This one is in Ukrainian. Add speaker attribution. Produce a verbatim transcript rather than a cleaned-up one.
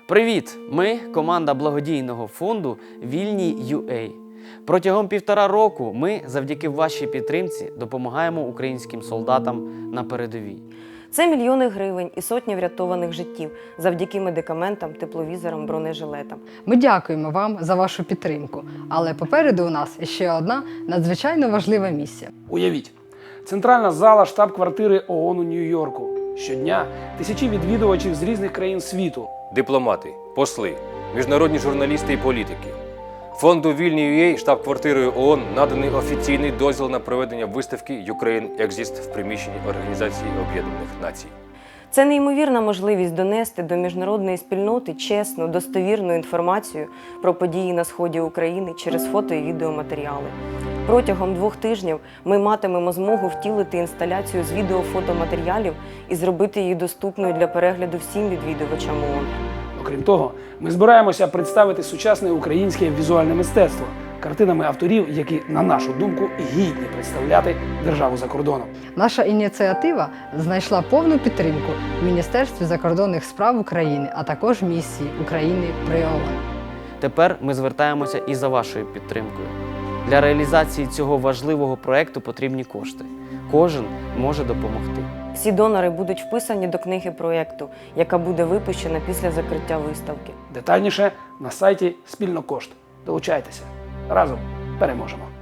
Speaker 1: Привіт! Ми команда благодійного фонду Вільні.ua. Протягом півтора року ми завдяки вашій підтримці допомагаємо українським солдатам на передовій.
Speaker 2: Це мільйони гривень і сотні врятованих життів завдяки медикаментам, тепловізорам, бронежилетам.
Speaker 3: Ми дякуємо вам за вашу підтримку, але попереду у нас ще одна надзвичайно важлива місія.
Speaker 4: Уявіть, центральна зала штаб-квартири ООН у Нью-Йорку. Щодня тисячі відвідувачів з різних країн світу.
Speaker 5: Дипломати, посли, міжнародні журналісти і політики. Фонду Вільні.ua штаб-квартирою ООН наданий офіційний дозвіл на проведення виставки Ukraine Exist в приміщенні Організації Об'єднаних Націй.
Speaker 2: Це неймовірна можливість донести до міжнародної спільноти чесну, достовірну інформацію про події на сході України через фото і відеоматеріали. Протягом двох тижнів ми матимемо змогу втілити інсталяцію з відео-фотоматеріалів і зробити її доступною для перегляду всім відвідувачам ООН.
Speaker 4: Окрім того, ми збираємося представити сучасне українське візуальне мистецтво картинами авторів, які, на нашу думку, гідні представляти державу за кордоном.
Speaker 3: Наша ініціатива знайшла повну підтримку в Міністерстві закордонних справ України, а також місії України при ООН.
Speaker 1: Тепер ми звертаємося і за вашою підтримкою. Для реалізації цього важливого проєкту потрібні кошти. Кожен може допомогти.
Speaker 2: Всі донори будуть вписані до книги проєкту, яка буде випущена після закриття виставки.
Speaker 4: Детальніше на сайті «Спільнокошт». Долучайтеся. Разом переможемо!